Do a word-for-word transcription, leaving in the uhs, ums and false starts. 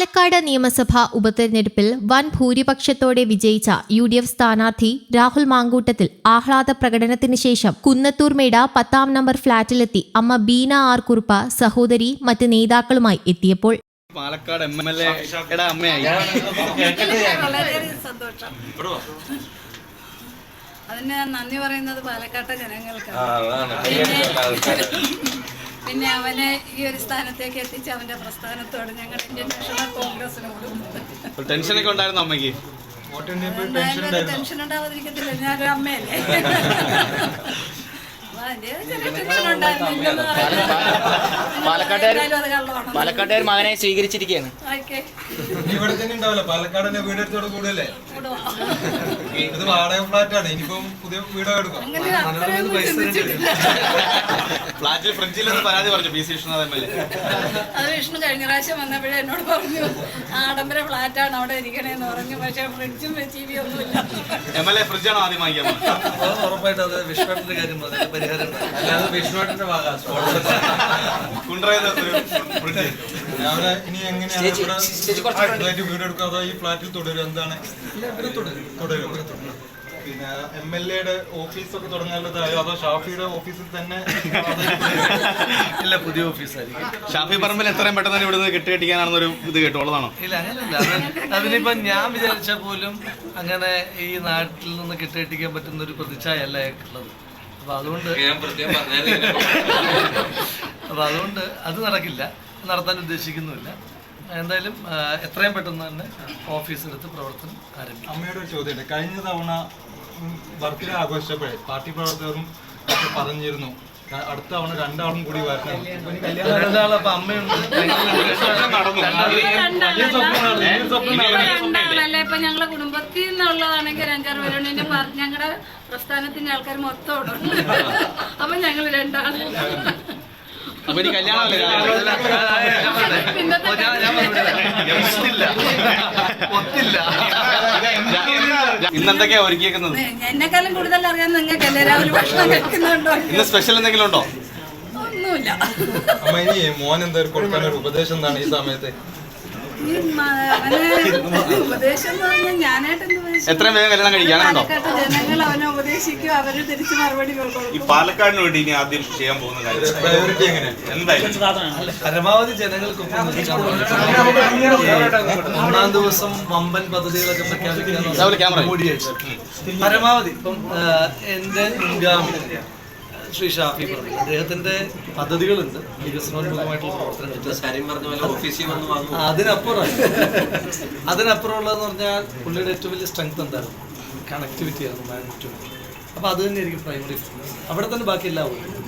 പാലക്കാട് നിയമസഭാ ഉപതെരഞ്ഞെടുപ്പിൽ വൻ ഭൂരിപക്ഷത്തോടെ വിജയിച്ച യു ഡി എഫ് സ്ഥാനാർത്ഥി രാഹുൽ മാങ്കൂട്ടത്തിൽ ആഹ്ലാദ പ്രകടനത്തിന് ശേഷം കുന്നത്തൂർമേട് പത്താം നമ്പർ ഫ്ളാറ്റിലെത്തി അമ്മ ബീന ആർ കുറുപ്പ, സഹോദരി, മറ്റ് നേതാക്കളുമായി എത്തിയപ്പോൾ പാലക്കാട് എം എൽ എയുടെ അമ്മയായി. വളരെയധികം സന്തോഷം. അതിന് ഞാൻ നന്ദി പറയുന്നത് പാലക്കാട്ടെ ജനങ്ങൾക്കാണ്. പിന്നെ അവനെ ഈ ഒരു സ്ഥാനത്തേക്ക് എത്തിച്ച് അവന്റെ പ്രസ്ഥാനത്തോട് ഞങ്ങൾ ഇന്ത്യൻ നാഷണൽ കോൺഗ്രസിനോട് ടെൻഷനൊക്കെ ഉണ്ടായിരുന്നു അമ്മയ്ക്ക്. ടെൻഷൻ ഉണ്ടാവാതിരിക്കത്തില്ല, ഞാനൊരു അമ്മയല്ലേ. പാലക്കാട്ടുകാർ മകനെ സ്വീകരിച്ചിരിക്കുകയാണ്. ഇവിടെ തന്നെ ഉണ്ടാവില്ല, പാലക്കാട് വീടെടുത്തോട് കൂടല്ലേ. ഇത് വാടക ഫ്ലാറ്റാണ്, ഇനിയിപ്പം പുതിയ വീട് എടുക്കാം. ഫ്ലാറ്റിൽ ഫ്രിഡ്ജിൽ പരാതി പറഞ്ഞു P C Vishnu M L A. അത് വിഷ്ണു കഴിഞ്ഞ പ്രാവശ്യം വന്നപ്പോഴേ എന്നോട് പറഞ്ഞു ആഡംബര ഫ്ലാറ്റാണ് അവിടെ ഇരിക്കണേന്ന് പറഞ്ഞു. പക്ഷെ ഫ്രിഡ്ജും ടി വി ഒന്നുമില്ല. എം എൽ എ ഫ്രിഡ്ജാണോ ആദ്യം വാങ്ങിക്കാൻ? ഉറപ്പായിട്ടും അത് വിഷ്ണുവിന്റെ കാര്യം പരിഹാരം. അല്ലാതെ വിഷ്ണുവിന്റെ ഭാഗം ഫ്രിഡ്ജ് ഇനി എങ്ങനെയാണ് വീട് എടുക്കുക, അതോ ഈ ഫ്ലാറ്റിൽ തുടരും? എന്താണ് തുടരും? പിന്നെ എം എൽ എയുടെ ഓഫീസൊക്കെ തുടങ്ങാനുള്ളതായോ, അതോ ഷാഫിയുടെ ഓഫീസിൽ തന്നെ? ഇല്ല, പുതിയ ഓഫീസായിരിക്കും. ഷാഫി പറമ്പിൽ എത്രയും പെട്ടെന്ന് ഇവിടെ നിന്ന് കെട്ടുകെട്ടിക്കാനാണെന്നൊരു ഇത് കേട്ടോളതാണോ? ഇല്ല, അങ്ങനെയല്ല. അതിനിപ്പോ ഞാൻ വിചാരിച്ചാൽ പോലും അങ്ങനെ ഈ നാട്ടിൽ നിന്ന് കെട്ടുകെട്ടിക്കാൻ പറ്റുന്ന ഒരു പ്രതിച്ഛായല്ല ഉള്ളത്. അപ്പൊ അതുകൊണ്ട് അപ്പൊ അതുകൊണ്ട് അത് നടക്കില്ല, നടത്താൻ ഉദ്ദേശിക്കുന്നുമില്ല. എന്തായാലും എത്രയും പെട്ടെന്ന് തന്നെ ഓഫീസിലെടുത്ത് പ്രവർത്തനം ആരംഭിക്കും. അമ്മയുടെ ഒരു ചോദ്യമുണ്ട്. കഴിഞ്ഞ തവണ ബർത്ത്ഡേ ആഘോഷിച്ചപ്പോഴേ പാർട്ടി പ്രവർത്തകരും ഒക്കെ പറഞ്ഞിരുന്നു അടുത്ത തവണ രണ്ടാളും കൂടി വരണം. രണ്ടാളും അപ്പൊ അമ്മയുണ്ട്. രണ്ടാളല്ലേ ഇപ്പൊ ഞങ്ങളെ കുടുംബത്തിൽ നിന്നുള്ളതാണെങ്കിൽ അഞ്ചാറ് പേരുണ്ട്. എന്റെ ഞങ്ങളുടെ പ്രസ്ഥാനത്തിന്റെ ആൾക്കാർ മൊത്തം അവിടെ ഉണ്ട്. അപ്പൊ ഞങ്ങൾ രണ്ടാള്. അപ്പൊ ഇനി കല്യാണമല്ലേ? ഇന്നെന്തൊക്കെയാ ഒരുക്കിയേക്കുന്നത്? എന്നെക്കാളും കൂടുതൽ അറിയാൻ നിങ്ങൾക്കല്ലേ. രാവിലെ ഭക്ഷണം കഴിക്കുന്നുണ്ടോ? ഇന്ന് സ്പെഷ്യൽ എന്തെങ്കിലും ഉണ്ടോ? ഒന്നുമില്ല. അമ്മ ഇനി മോൻ എന്തായാലും കൊടുക്കാൻ ഒരു ഉപദേശം എന്താണ് ഈ സമയത്ത്? ഉപദേശം എന്ന് പറഞ്ഞാൽ ഞാനായിട്ട് എത്രയും വേഗം കല്യാണം കഴിക്കാനുണ്ടോ? ജനങ്ങൾ അവനെ ഉപദേശിക്കും, അവര് തിരിച്ച് മറുപടി കൊടുക്കും. ഈ പാലക്കാടിന് വേണ്ടി ഇനി ആദ്യം ചെയ്യാൻ പോകുന്ന കാര്യം പ്രയോറിറ്റി എങ്ങനെ? എന്തായാലും പരമാവധി ജനങ്ങൾക്കൊപ്പം ഒന്നാം ദിവസം വമ്പൻ പദ്ധതികളൊക്കെ പ്രഖ്യാപിക്കാൻ കൂടിയാഴ്ച പരമാവധി ഇപ്പം എന്റെ മുൻഗാമി ശ്രീ ഷാഫി പറഞ്ഞു, അദ്ദേഹത്തിന്റെ പദ്ധതികളുണ്ട്, വികസനോന്മുഖമായിട്ടുള്ള പ്രവർത്തനങ്ങൾ. അതിനപ്പുറം അതിനപ്പുറമുള്ളതെന്ന് പറഞ്ഞാൽ പുള്ളിയുടെ ഏറ്റവും വലിയ സ്ട്രെങ്ത് എന്തായിരുന്നു? കണക്ടിവിറ്റി ആയിരുന്നു, മാഗ്നറ്റിവിറ്റി. അപ്പൊ അത് തന്നെയായിരിക്കും പ്രൈമറി ഫോക്കസ്. അവിടെ തന്നെ ബാക്കി എല്ലാം